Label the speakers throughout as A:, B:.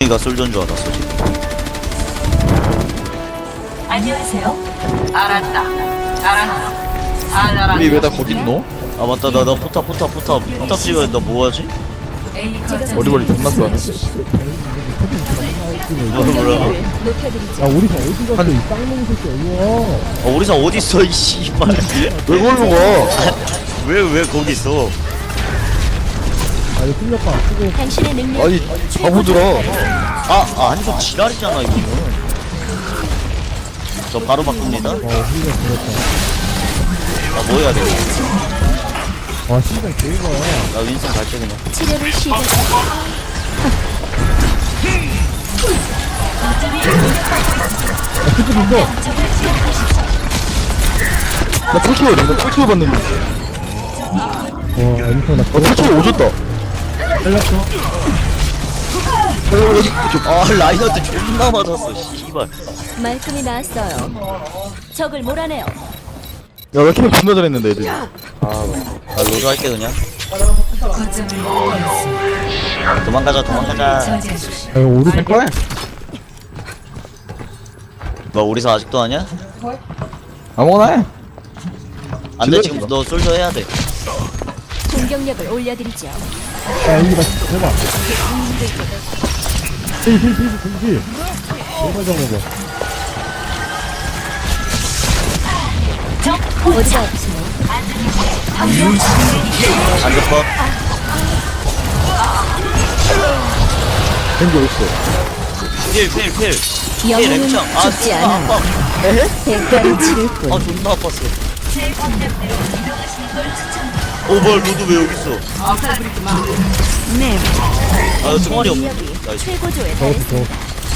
A: 얘가 솔전 줄 알았어 지금.
B: 안녕하세요. 알았다. 알았다.
C: 우리 왜 다 거기 있노?
A: 아 맞다 나 포탑 찍어야 나 뭐하지?
C: 머리머리 존나 쏘네.
A: 뭐라
D: 야 우리 다 어디 갔어 이 쌍놈 새끼 어디야.
A: 오리사 어딨어 이 씨발.
C: 왜 걸로 가?
A: 왜 거기 있어?
D: 아 이거 풀렸다. 쓰고
B: 당신의 능력
C: 아니 바보들아.
A: 아니 저 지랄이잖아 이거는. 저 바로 바꿉니다.
D: 훌륭 들었다.
A: 아 뭐 해야 돼?
D: 아 신장 개이가.
A: 나 윈슨 갈게 그냥.
B: 치료를 시작.
D: 야 스킬 있어.
C: 나 폴키워 내가 폴키워 봤는데.
D: 와 인터 나
C: 폴키워 오졌다.
D: 잘랐어.
A: 아 라이너한테 존나 맞았어 씨발.
B: 말끔히 나았어요. 적을 몰아내요.
C: 야나 키는 존나 잘했는데 애들.
A: 나 로드 할게 그냥. 도망가자.
D: 야 이거 우리 다
C: 거야?
A: 너 오리사 아직도 하냐?
C: 아무거나 해.
A: 안돼 지금 너 솔저 해야 돼.
B: 공격력을 올려드리죠.
D: 야 여기 나 진짜 대박. 힐 정말 잡아봐.
B: 어디가 아프세요?
A: 안급법.
C: 겐지 어딨어?
A: 필.
B: 영웅은
A: 랭창.
B: 죽지 않아.
A: 아파.
B: 대가를 치를 뿐.
A: 아 존나 아팠어. 뭘 로드 왜 여기 있어?
B: 네.
A: 아 총알이 없어.
B: 능력이
A: 나이스.
B: 최고조에
D: 저것도
B: 달했습니다.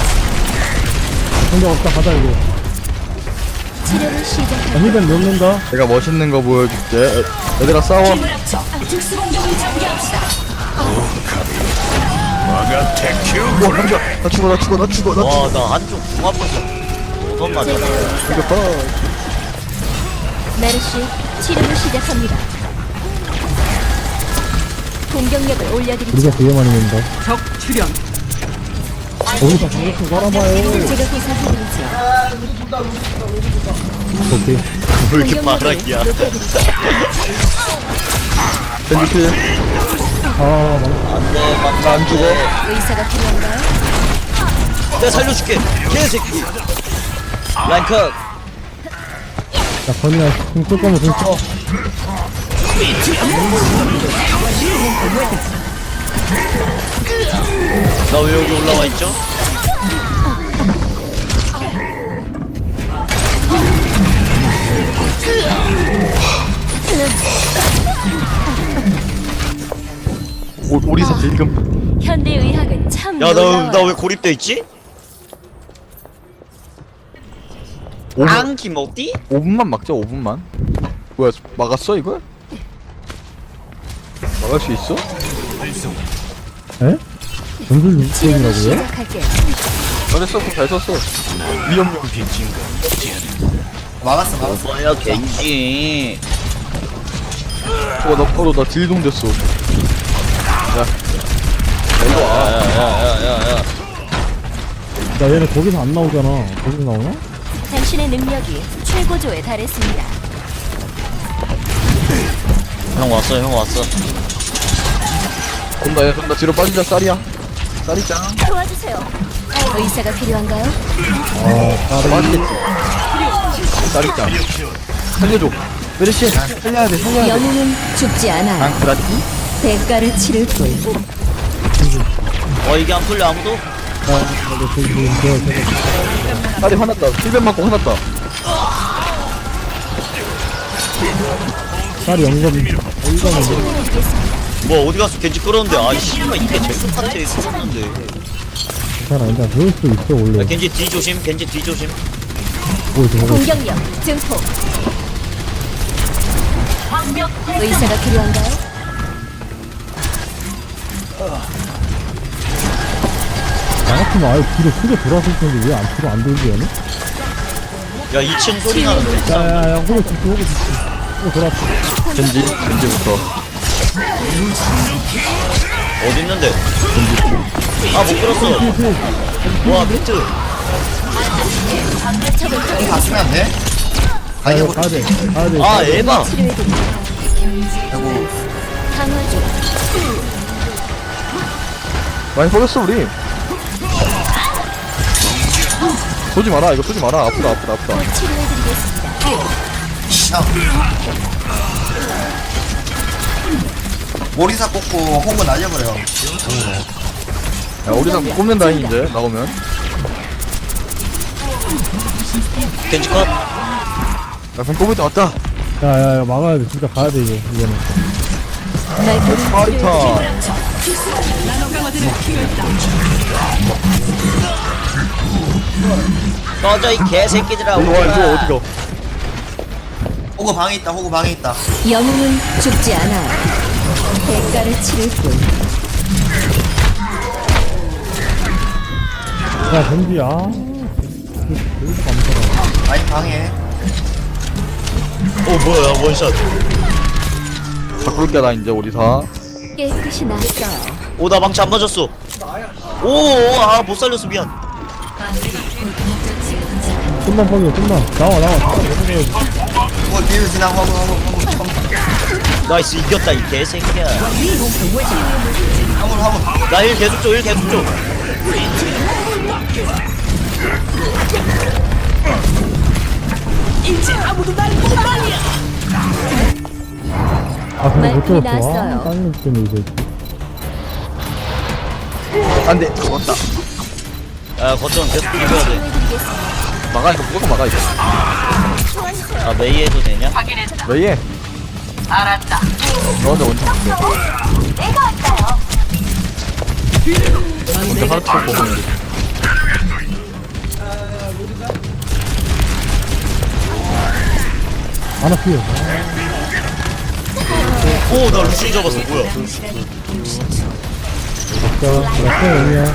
D: 공격 없다 가자 이거.
B: 치료를 시작합니다.
D: 힐벤 넣는다.
C: 내가 멋있는 거 보여줄게. 얘들아 싸워.
B: 특수 공격을 전개합시다.
C: 와 감자. 나 죽어.
A: 와 나 한쪽 궁 아팠어. 어떤 맞아?
C: 이겼다.
B: 메르시 치료를 시작합니다. 공격력을 올려드리죠.
D: 우리가 되게 많이 넣는다. 적 출현. 우리 다 저렇게 깔아봐요.
B: 제가 보살펴드리죠.
D: 오케이.
A: 왜 이렇게 바락이야?
C: 겐지 필.
D: 아 망.
A: 안돼 막
C: 안 죽어.
B: 의사가 필요한가요?
A: 내가 살려줄게. 개새끼. 라인 컷.
D: 야 건이야 공쓸 거면 공 써.
A: 나 왜 여기 올라와 있죠?
C: 오리사 딜금.
B: 현대 의학은 참
A: 야
B: 놀라워요.
A: 나 왜 고립돼 있지? 앙 김어띠?
C: 5분만 막자 5분만. 뭐야 막았어 이거? 막을 수 있어?
D: 에? 전술
B: 치료를
D: 육성이라고요?
B: 시작할게요.
C: 잘했어 잘 썼어. 위험용.
A: 뭐야 겐지.
C: 나 바로 나 딜동 됐어.
A: 야야야야야.
D: 야 얘네 거기서 안 나오잖아. 거기서 나오나?
B: 당신의 능력이 최고조에 달했습니다.
A: 형 왔어.
C: 돈다 뒤로 빠지자 쌀이야. 쌀이 짱.
B: 도와주세요. 의사가 필요한가요?
D: 아
C: 빠지겠지. 쌀이 짱. 살려줘. 메르시 살려야 돼.
B: 영웅은 죽지 않아요.
C: 앙크라티?
B: 대가를 치를 뿐.
A: 이게 안 풀려 아무도?
C: 쌀이 화났다. 힐벤 맞고 화났다.
D: 쌀이 영감 어디가는
A: 뭐 어디 가서 겐지 끌었는데 아 씨발 이게 제수 파트에 있었는데.
D: 괜찮아. 일단 그럴 수도 있어 원래.
A: 야, 겐지 뒤 조심.
D: 뭐 저거
B: 공격력 증폭. 의사가 필요한가요?
D: 나 같으면 아예 뒤로 크게 돌았을 텐데 왜 뒤로 안 돌지 얘는?
A: 야 2층 소리 나는데.
D: 야야야 호구 뒤 호구 돌았어.
C: 겐지부터.
A: 어딨는데? 아, 못 끌었어. 와, 비트.
E: 공 갔으면 안 돼? 아니 뭐
F: 가야돼
A: 아, 에바.
B: 치료해드릴까요? 강화 중.
C: 많이 버렸어 우리. 쏘지 마라 이거 쏘지 마라. 아프다.
B: 치료해드리겠습니다.
E: 모리사 꽂고 홍보 날려버려.
C: 야 우리 다 꼽는다잉 이제 나오면.
A: 겐지 컷.
C: 야 그럼 꼽을 때 왔다.
F: 야야야 막아야돼 진짜 가야돼 이거는
B: 날개를
C: 파이터.
A: 꺼져, 이 개새끼들아.
C: 일로 와 일로 어디가.
E: 호구 방에 있다. 호구 방에 있다.
B: 영웅은 죽지 않아요. 대가를 치를 뿐.
F: 야 벤지야 여기서 감사라
E: 아니 방에.
A: 뭐야, 원샷.
C: 바꿀게 나 이제 우리 다.
B: 깨끗이 났어요.
A: 오, 나 망치 안 맞았어. 오, 아, 못 살렸어, 미안.
F: 좀만 퍼져 좀만 나와
E: 호구 뒤로 지나고 화물.
A: 나이스, 이겼다, 이 개새끼야.
E: 화물.
A: 나 일 계속 줘, 일 계속 줘.
F: 아 근데 못
B: 말끔히
F: 들었어
B: 나왔어요.
F: 아 딴 때문에 이제
C: 안돼 죽었다.
A: 야, 거점 계속 비벼야 돼.
B: 치료해드리겠습니다.
C: 막아 이거 무조건 막아 이거.
A: 아, 메이 해도 되냐?
C: 왜 얘? 알았다. 너한테 원통 볼게. 먼저 하나 쳐 보고 있는데.
F: 안 아프요
A: 오, 나 루시 잡았어, 뭐야.
F: 자 여기야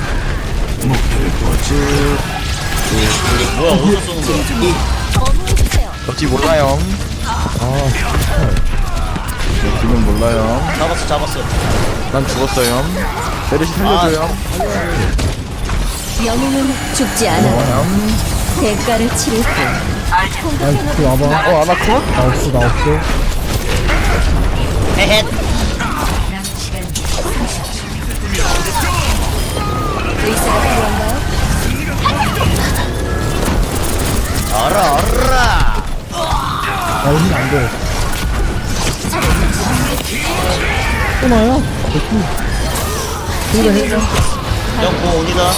A: 뭐야, 어디서 쏘는 거야?
B: 어머해주세요.
C: 역시 몰라요.
F: 아
C: 지금 몰라요.
A: 잡았어.
C: 난 죽었어요. 메르시 살려줘요.
B: 영웅은 죽지 않아요. 대가를 치를 뿐.
F: 나이스 와봐
C: 아나컷?
F: 나 없어
A: 헤헷.
B: 의사가 필요한가요?
A: 알아.
F: 나 힘이 안돼 또 나야?
A: 형, 뭐 온이다.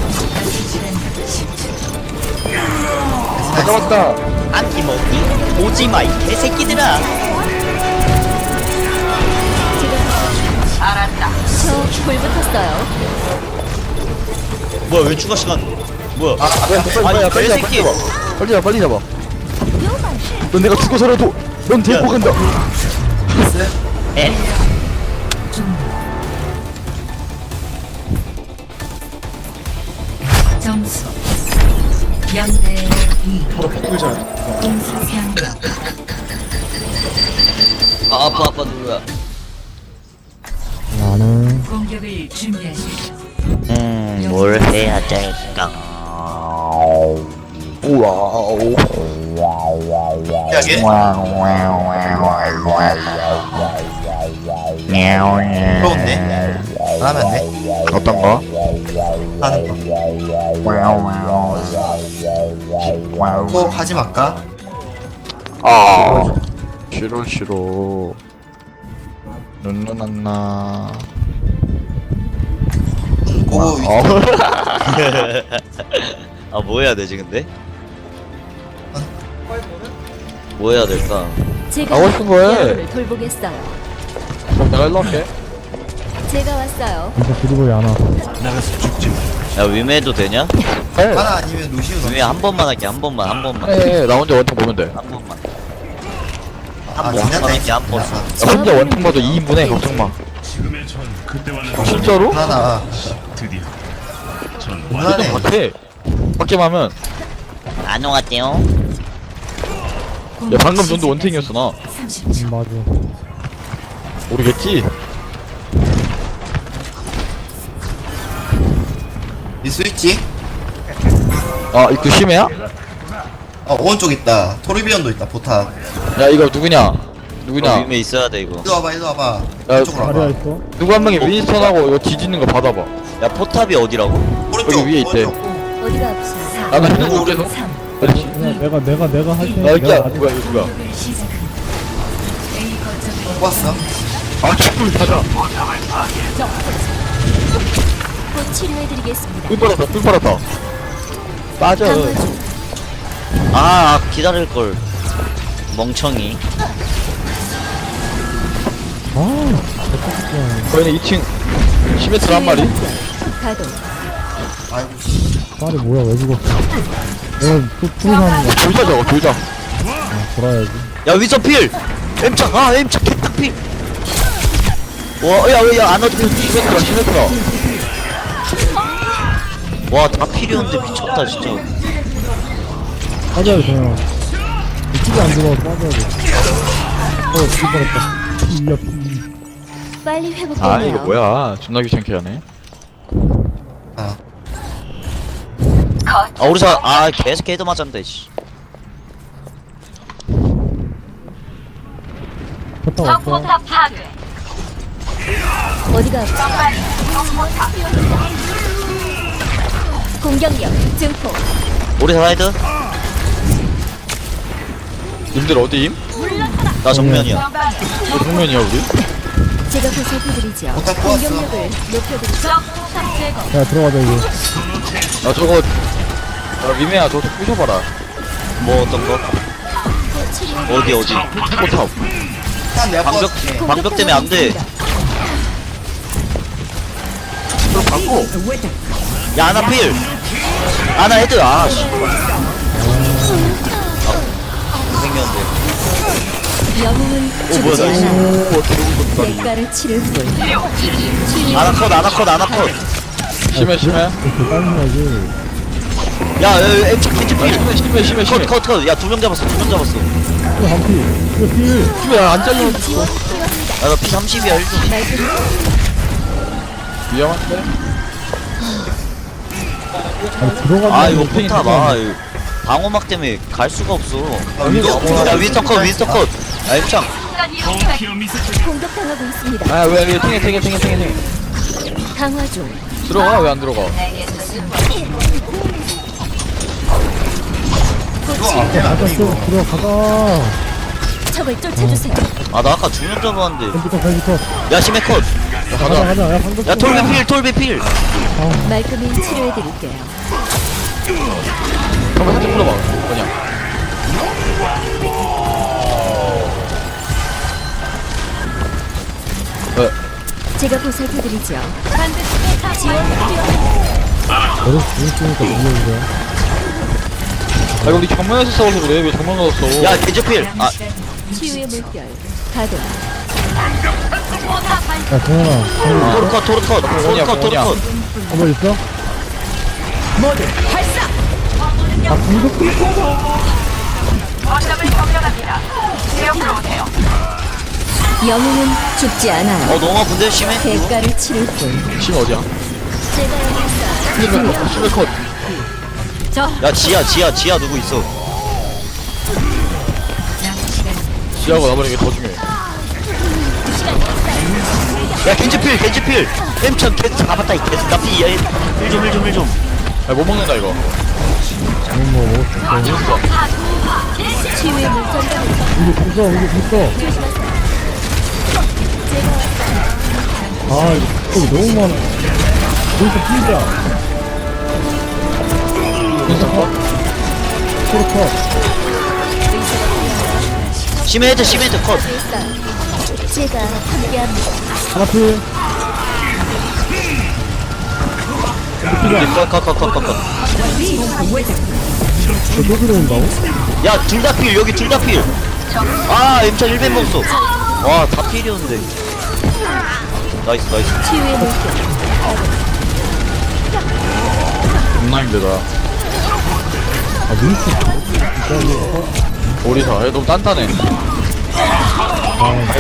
C: 다 잡았다.
A: 아끼먹기 오지마, 이 개새끼들아.
B: 저 불 붙었어요.
A: 뭐야, 왜 추가 시간? 뭐야?
C: 빨리 잡아.
A: 개새끼.
C: 빨리 잡아. 넌 내가 죽어서라도 넌 데리고 간다.
A: 에.
G: 점수 0대 2 공수 변경
A: 아, 아빠 누구야?
F: 나는
G: 공격을 준비하십시오.
A: 뭘 해야 될까?
C: 우와우.
E: 야게. 부러운데? 안 하면 안 돼?
C: 어떤 거?
E: 하는 거. 또 하지 말까?
C: 아. 싫어. 눈누난나.
E: 오
A: 아, 뭐 해야 되지 근데? 뭐 해야 될까?
B: 제가
C: 하고 싶은 거 해.
B: 여러분을 돌보겠어요.
C: 그럼 내가 일로 할게.
B: 제가 왔어요.
F: 진짜 드리블이 안 와.
A: 야, 위메도 되냐?
C: 해.
E: 하나 아니면 루시우
A: 위메 한 번만 할게, 한 번만.
C: 해. 나 혼자 원통 보면 돼. 야,
A: 한 번만.
E: 아
A: 한 번만 할게, 한 번.
C: 혼자 원통 봐도 2인분해. 걱정 마. 진짜로?
E: 하나
C: 그좀
E: 그만해.
C: 밖에. 밖에만 하면.
A: 안 오갔대요.
C: 야, 방금 전도 원탱이었어, 나.
G: 30초
F: 맞아
C: 모르겠지?
E: 이 스위치?
C: 아 이거 심해야?
E: 오른쪽 있다. 토르비언도 있다. 포탑.
C: 야 이거 누구냐? 누구냐?
A: 위에 있어야 돼 이거.
E: 이리 와봐, 이리 와봐.
C: 야,
E: 이쪽으로
F: 자리야
E: 와봐.
F: 있어.
C: 누구 한 명이 윈스턴하고 이거 뒤지는 거 받아봐.
A: 야 포탑이 어디라고?
E: 오른쪽.
C: 여기 위에 있대.
E: 오른쪽.
B: 어디가 아프세요?
C: 아나 힘들게
G: 3.
F: 그냥 내가 할 테니까.
C: 야
F: 내가
C: 이거
F: 아직
C: 뭐야 이거 누가?
G: 시작합니다. A 거점을
E: 뽑았어.
C: 아 축구를 타자.
B: 곧 치료해드리겠습니다.
C: 뿔 빨았다 뿔 빨았다. 빠져.
B: 강화 중.
A: 아 기다릴 걸. 멍청이.
F: 아,
C: 거기는 2층 시메트라 한 마리.
B: 가동.
E: 아이고, 씨.
F: 딸이 뭐야, 왜 죽었어? 내가 또 풀사는 거.
C: 돌자 저거 돌자.
F: 돌아야지.
A: 야 위서필. 엠착 아 엠착 개딱필. 와야야 안 어떻게
C: 시메트라 시메트라.
A: 와다 필요한데 미쳤다 진짜.
F: 빠져야 돼, 그냥. 이쪽에 안 들어와서 빠져야 돼. 죽을 뻔했다. 이야,
B: 빨리 회복되네요.
C: 아 이거 뭐야? 존나 귀찮게 하네.
E: 아,
A: 아 우리사 아 계속 헤드 맞았는데 씨.
F: 포탑 없어.
B: 어디가 아프세요? 공격력 증폭.
A: 우리사 헤드?
C: 님들 어디임?
A: 나 정면이야.
C: 뭐 정면이야 우리?
B: 제가 보살펴드리죠.
E: 포탑 뽑았어.
B: 공격력을 높여드리죠.
F: 야, 들어가자, 이제.
C: 아 저거 야 미메야 저거 좀 부셔봐라.
A: 뭐 어떤 거?
B: 곧 치료해.
A: 어디
C: 포탑.
E: 일단 내가
A: 방벽
E: 뽑았지.
A: 방벽 때문에 안 돼.
C: 그럼 바꿔.
A: 야 아나 필. 아나 헤드 아 씨. 생겼는데.
B: 영웅은
A: 뭐야,
B: 죽지
A: 나
B: 않아. 대가를 치를 뿐.
A: 아나컷 아나컷 아나컷.
C: 심해 심해.
F: 이렇게 짜증나지.
A: 야 엠착 겐지 필.
C: 심해 심해 심해.
A: 컷. 야 두 명 잡았어.
F: 이거 한 피. 이거 피.
C: 심해 안 잘려.
A: 야나 피 30이야 1등.
B: 말끔히
C: 위험한데?
F: 아니, 들어가자.
A: 아 이거 포탑 아 이거 방어막 때문에 갈 수가 없어. 야 윈스턴 컷. 야 엠착.
B: 공격당하고 있습니다.
C: 아왜 탱해.
B: 강화 중.
C: 들어가 왜 안 들어가?
F: 가자, 들어가자.
B: 적을 쫓아주세요.
A: 아 나 아까 두 명 잡았는데.
F: 컴퓨터.
A: 야 심해 컷.
F: 가자. 야, 방금.
A: 야 톨비 필.
B: 말끔히 치료해드릴게요.
C: 한번 살짝 불러봐. 뭐냐? 왜?
B: 제가 보살펴드리죠. 지원 필요합니다.
F: 너를 죽으니까 불러주세요.
C: 아 이거 우리 정면에서 싸워서 그래. 왜 정면 가서
A: 야 겐지 필. 아
B: 치유의 물결. 가동.
F: 야, 정현아.
A: 토르컷.
F: 한번 있어? 아, 공격
B: 영웅은 죽지 않아요.
A: 너무 아픈데 심해?
B: 대가를 치를 뿐.
C: 심 어디야?
B: 제가 여기서
C: 심해 컷.
A: 야 지하 누구 있어?
C: 지하고 나버리는 게 더 중요해.
A: 야 겐지 필. 엠천 겐지 잡았다 이 개수. 나피 1좀.
C: 야못 먹는다 이거.
F: 뭐 먹을 수 있어.
B: 치유의 물결.
F: 이거 있어. 아, 이거 너무 많아. 여기서 피자. 코르컷.
A: 심해 헤드 컷.
B: 제가 함께합니다.
F: 하나 피.
A: 컷.
F: 저또 들어온다고?
A: 야 둘 다 필. 여기 둘 다 필. 아 엠천 1벤 먹었어. 와 다 필이었는데. 나이스.
B: 치유의 물결.
C: 존나 힘들다.
F: 아, 민스.
C: 오리사. 얘 너무 단단해.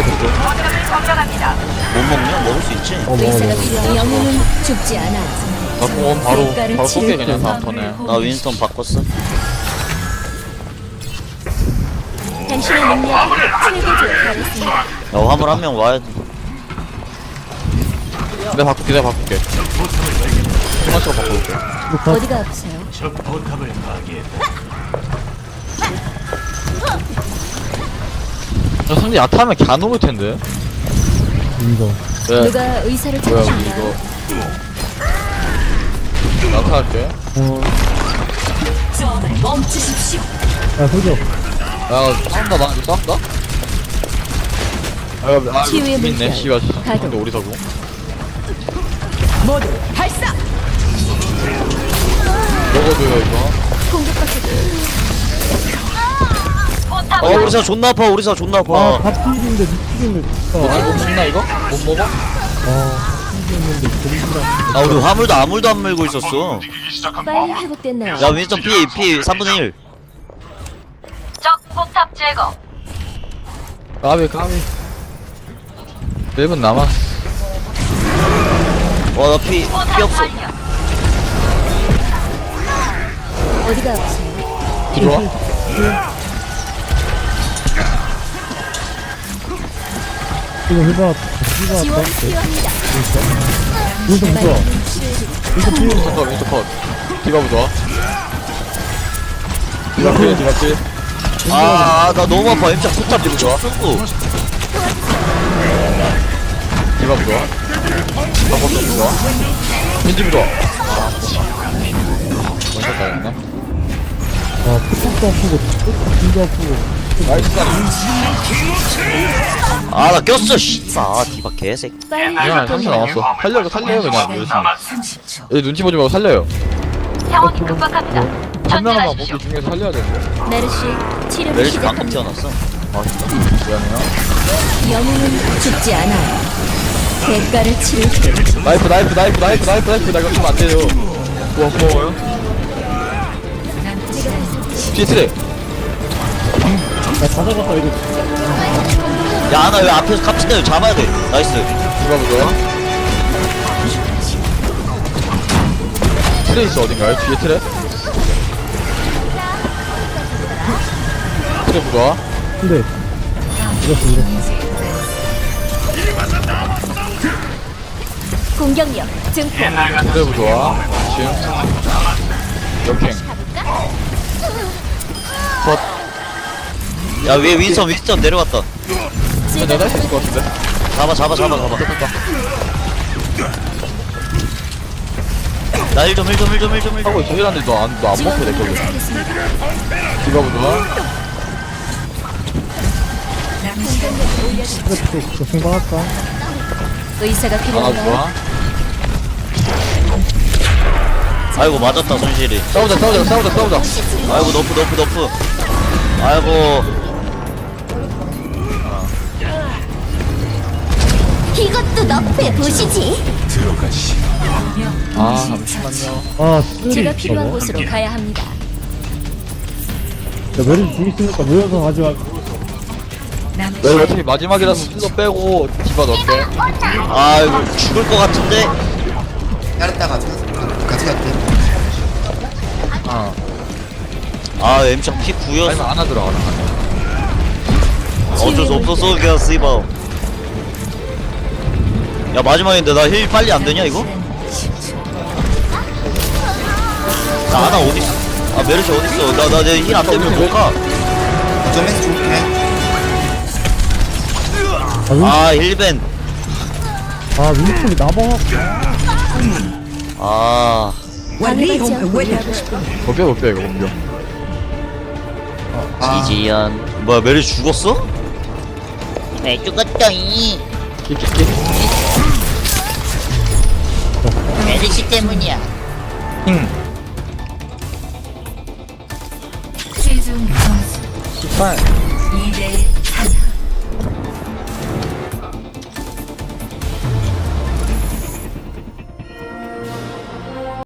A: 못 먹냐? 먹을 수 있지.
F: 먹어.
B: 의사가 필요한 영웅은 죽지 않아.
C: 나 공원 바로
B: 대가를
C: 쏠게
B: 치를
C: 그냥 다음 턴에.
A: 나 윈스턴 바꿨어.
B: 당신의 능력이 최고조에 달했습니다.
A: 야 화물 한 명 와야 돼.
C: 내가 바꿀게. 토마스가 바꿔볼게.
B: 어디가 아프세요?
C: 저 상대 야타하면 갸 넘을 텐데.
F: 이거.
C: 네.
B: 누가 의사를
C: 뭐야
B: 찾으신가요?
C: 이거. 야타할게.
F: 야, 소죠.
C: 야 싸운다 나 이거 싸운다? 아
B: 치유의
C: 이거 있네
B: 물결.
C: 씨발
B: 가동.
C: 근데 우리 사고
D: 모두 발사.
C: 먹어줘요 이거.
A: 우리사 존나 아파. 우리사 존나
F: 아,
A: 아파.
F: 다 필인데, 미치겠네, 진짜.
C: 아, 못 먹나 이거? 못 먹어?
F: 아, 필이었는데, 공기랑.
A: 아 우리 화물도 아무도 안 물고 있었어.
B: 빨리 회복됐나요?
A: 야 윈스턴 피 3분의 1.
C: 까비 1분 남았어.
A: 와나 피 없어.
B: 어디가 아프세요?
C: 들어와.
F: 이거 해봐.
B: 지원 필요합니다.
F: 이거 무서워. 이거 필요.
C: 윈스터 컷 윈스터 컷. 디바 부좋아. 디바 필.
A: 아나 너무 아파. 임자 숫자
C: 디바 좋아.
A: 쓰고.
C: 디바 부좋아. 디바 컷 부좋아. 윈지 부좋아. 아 원샷 당했네.
F: 아, 뚝뚝도 아프고, 뚝뚝도 아프고.
C: 나이스 사리.
A: 아나 꼈어 씨발. 아 디바 개새끼.
B: 빨리
C: 그냥 30초
B: 회복됐나요?
C: 남았어. 살려요 그냥 열심히.
G: 30초.
C: 얘 눈치 보지 말고 살려요.
H: 상황이 급박합니다.
C: 한 명만
H: 전진하십시오.
C: 먹기 중에서 살려야 되는데.
B: 메르시 치료를
A: 메르시 방금
B: 시작합니다.
A: 태어났어.
C: 아 진짜? 미안해요.
B: 영웅은 죽지 않아요. 대가를 치를 때
C: 나이프 나 이거 쓰면 안 돼요. 와 고마워요. 뒤에 트레.
F: 야, 다 잡았다, 이거.
A: 야 나 왜 앞에서 깝친다. 이거 잡아야 돼. 나이스.
C: 누가 보죠? 트레 있어 어딘가요? 뒤에 트레? 트레 보자.
F: 근데, 이랬어.
B: 공격력 증폭.
C: 트레 보자. 지금 역행. 컷.
A: 야 위에 윈스턴 내려갔다.
C: 내가 할 수 있을 것 같은데?
A: 잡아. 나 1점.
C: 하고 있어. 힐한데 너안 먹고 내 거기.
B: 도착했습니다.
C: 디바 보자.
F: 또 생각할까?
B: 의사가
C: 하나
B: 필요한가요?
C: 좋아.
A: 아이고 맞았다 손실이.
C: 싸우자.
A: 아이고 너프. 아이고.
B: 이것도 너프해 보시지.
C: 아 잠시만요.
F: 아, 쓰리.
B: 제가 필요한 곳으로 가야 합니다.
F: 야, 메리 죽 있으니까 모여서 가지 말고.
C: 왜 어차피 마지막이라서 슬로 빼고 디바 넣을게.
A: 아이고 죽을 것 같은데.
E: 따랐다 같이 갈게.
C: 아
A: 엠창 피 9였어.
C: 아니면 안아 들어가라.
A: 어쩔 수 없었어 그냥 씨발. 야 마지막인데 나 힐 빨리 안 되냐 이거? 나 하나 어디 있어? 아 메르시 어디 있어? 나 내 힐 안 되면 못 가.
E: 점에서 줄게.
A: 아 힐벤.
F: 아, 윈스턴이 나봐.
A: 아
B: 방해받지 않고 일하고 싶은
C: 못 빼 이거 공격.
A: 지지연. 뭐야 메르시 죽었어? 네 죽었더니
C: 끼끼끼.
A: 메르시 때문이야.
G: 최종 점수
C: 18.
G: 2대 3.